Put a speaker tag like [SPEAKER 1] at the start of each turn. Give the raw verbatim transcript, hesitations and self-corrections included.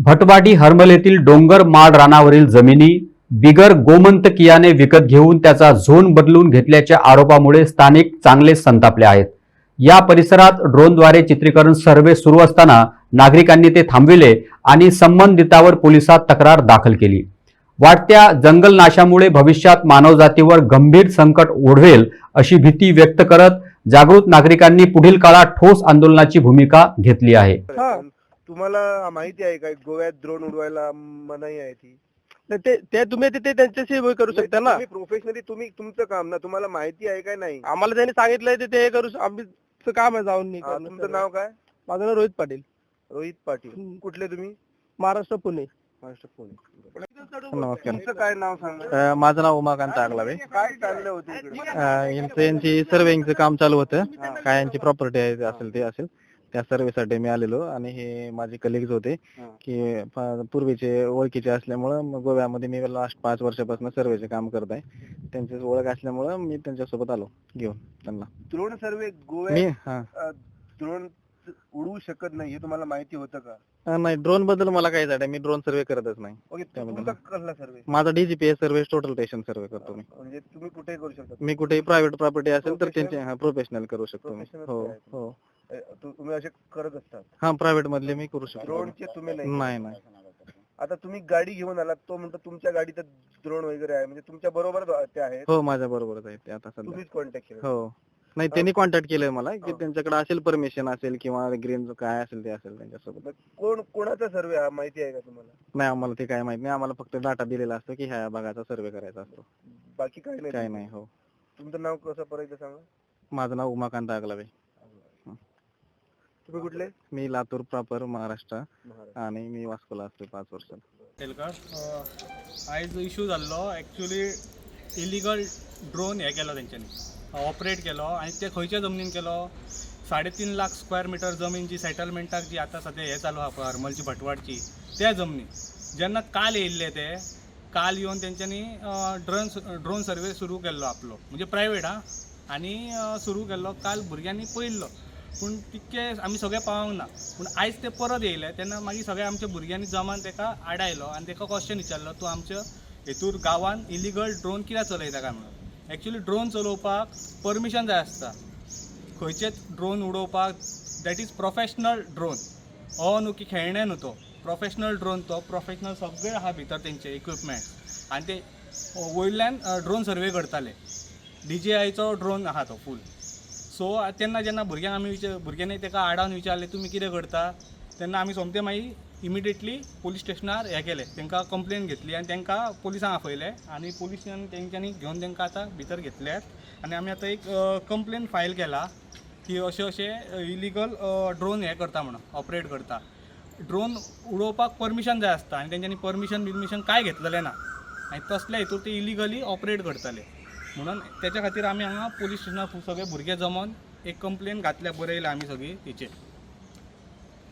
[SPEAKER 1] भटवाडी हर्मल येथील डोंगर माळ रानावरील जमिनी बिगर गोमंतकीयाने विकत घेऊन त्याचा झोन बदलून घेतल्याच्या आरोपामुळे स्थानिक चांगले संतापले आहेत। या परिसरात ड्रोनद्वारे चित्रीकरण सर्वे सुरू असताना नागरिकांनी ते थांबविले आणि संबंधितांवर पोलिसात तक्रार दाखल केली। वाढत्या जंगलनाशामुळे भविष्यात मानवजातीवर गंभीर संकट ओढवेल अशी भीती व्यक्त करत जागृत नागरिकांनी पुढील काळात ठोस आंदोलनाची भूमिका घेतली आहे।
[SPEAKER 2] तुम्हाला माहिती आहे का गोव्यात ड्रोन उडवायला मनाई आहे ती?
[SPEAKER 3] ते ते तुम्ही ते त्यांच्याशी हे करू शकता ना।
[SPEAKER 2] तुम्ही प्रोफेशनली तुम्ही तुमचं काम ना, तुम्हाला माहिती आहे काय नाही?
[SPEAKER 3] आम्हाला त्यांनी सांगितलंय ते ते करू आम्ही काम आहे जाऊन नाही
[SPEAKER 2] हा, तुमचं नाव काय?
[SPEAKER 3] माझं नाव रोहित पाटील।
[SPEAKER 2] रोहित पाटील कुठले तुम्ही?
[SPEAKER 3] महाराष्ट्र पुणे।
[SPEAKER 2] महाराष्ट्र पुणे।
[SPEAKER 3] नमस्कार,
[SPEAKER 2] तुमचं काय नाव सांगा?
[SPEAKER 3] माझं नाव उमाकांत आगलावे।
[SPEAKER 2] काय चाललं होतं इकडे?
[SPEAKER 3] यांचं यांची सर्वेइंगचं काम चालू होतं। काय यांची प्रॉपर्टी आहे असेल ते असेल त्या सर्वेसाठी मी आलेलो आणि हे माझे कलिग्स होते की पूर्वीचे ओळखीचे असल्यामुळं गोव्यामध्ये मी लास्ट पाच वर्षापासून सर्वेचे काम करत आहे। त्यांची ओळख असल्यामुळं मी त्यांच्यासोबत आलो घेऊन त्यांना।
[SPEAKER 2] ड्रोन सर्वे
[SPEAKER 3] मी
[SPEAKER 2] गोव्यात ड्रोन उडवू शकत नाही हे तुम्हाला माहिती होतं का?
[SPEAKER 3] नाही, ड्रोन बद्दल मला काय झालं, मी ड्रोन सर्वे करतच नाही।
[SPEAKER 2] ओके, तुमचा कसला सर्वे?
[SPEAKER 3] माझा DGPS survey total station survey करतो मी।
[SPEAKER 2] म्हणजे तुम्ही कुठे करू शकता?
[SPEAKER 3] मी कुठेही प्रायव्हेट प्रॉपर्टी असेल तर त्यांचे प्रोफेशनल करू शकतो मी। हो हो,
[SPEAKER 2] तुम्ही असे करत असतात?
[SPEAKER 3] हा, प्रायव्हेट मधले मी करू शकतो।
[SPEAKER 2] ड्रोनचे तुम्ही नाही?
[SPEAKER 3] नाही नाही।
[SPEAKER 2] आता तुम्ही गाडी घेऊन आलात, तो म्हणतो तुमच्या गाडीत ड्रोन वगैरे आहे, म्हणजे तुमच्या बरोबर ते आहेत?
[SPEAKER 3] हो, माझ्या बरोबरच आहेत ते आता सध्या।
[SPEAKER 2] तुम्हीच कॉन्टॅक्ट केलं?
[SPEAKER 3] हो, नाही, त्यांनी कॉन्टॅक्ट केलंय मला की त्यांच्याकडे असेल परमिशन असेल किंवा ग्रीन काय असेल ते असेल त्यांच्यासोबत।
[SPEAKER 2] कोण कोणाचा सर्वे हा माहिती आहे का तुम्हाला?
[SPEAKER 3] नाही, आम्हाला ते काय माहित नाही। आम्हाला फक्त डाटा दिलेला असतो की ह्या भागाचा सर्वे करायचा असतो,
[SPEAKER 2] बाकी काय नाही?
[SPEAKER 3] काय नाही। हो,
[SPEAKER 2] तुमचं नाव कसं परत सांगा?
[SPEAKER 3] माझं नाव उमाकांत आगलावे।
[SPEAKER 2] तुम्ही कुठले?
[SPEAKER 3] मी लातूर प्रॉपर महाराष्ट्र आणि मी वास्कोला असतो पाच वर्ष।
[SPEAKER 4] आयज इश्यू जाल्लो एक्चुअली इलिगल ड्रोन हे केलो तेंच्यांनी ऑपरेट केलो आणि ते खंयच्या जमनीन केलो? साडे तीन लाख स्क्वेअर मिटर जमीन जी सेटलमेंटाक जी आता सध्या हे चालू आहा हरमलची भटवाडची त्या जमनी जेन्ना काल येयल्ले ते काल येवन तेंच्यांनी ड्रोन ड्रोन सर्वे सुरू केल्लो आपलो, म्हणजे प्रायवेट हा, आणि सुरू केल्लो काल भुरग्यांनी पळयल्लो, पूण तितके आमी सगळे पावंक ना। पूण आयज ते परत येयले तेन्ना मागीर सगळ्या आमच्या भुरग्यांनी जमान तेका आडायलो आणि तेका क्वेश्चन विचारलो, तूं आमच्या हेतूर गांवान इलिगल ड्रोन कित्याक चलयता काय म्हणून। एक्चुअली ड्रोन चलोवपाक परमिशन जाय आसता, खंयचेच ड्रोन उडोवपाक, दॅट इज प्रोफेशनल ड्रोन। हो न्हू की खेळणे न्हू, तो प्रोफेशनल ड्रोन, तो प्रोफेशनल सगळे आहा भितर तेंचे इक्विपमेंट, आणि ते वयल्यान ड्रोन सर्वे करताले। डी जे आयचो ड्रोन आहा तो फूल। सो तेन्ना जेन्ना भुरग्यांक आमी विचार भुरग्यांनी तेका आडावन विचारले तुमी कितें करता, तेन्ना आमी सोमते मागीर इमिडिएटली पोलीस स्टेशनार हे केले, तांकां कंप्लेन घेतली आणि तांकां पोलिसांक आपयले आणि पोलिसांनी तेंच्यांनी घेवन तांकां आतां भितर घेतल्यात आणि आमी आतां एक कंप्लेन फायल केला की अशें अशें इलिगल ड्रोन हे करता म्हणून ऑपरेट करता। ड्रोन उडोवपाक परमिशन जाय आसता आणि तेंच्यांनी परमिशन बिर्मिशन काय घेतलेलें ना आणि तसल्या हितूर ते इलिगली ऑपरेट करताले, म्हणून त्याच्या खातीर आमी हांगा पोलीस स्टेशनार सगळे भुरगे जमोन एक कंप्लेन घातल्या, बरयल्या आमी सगळी तेचेर।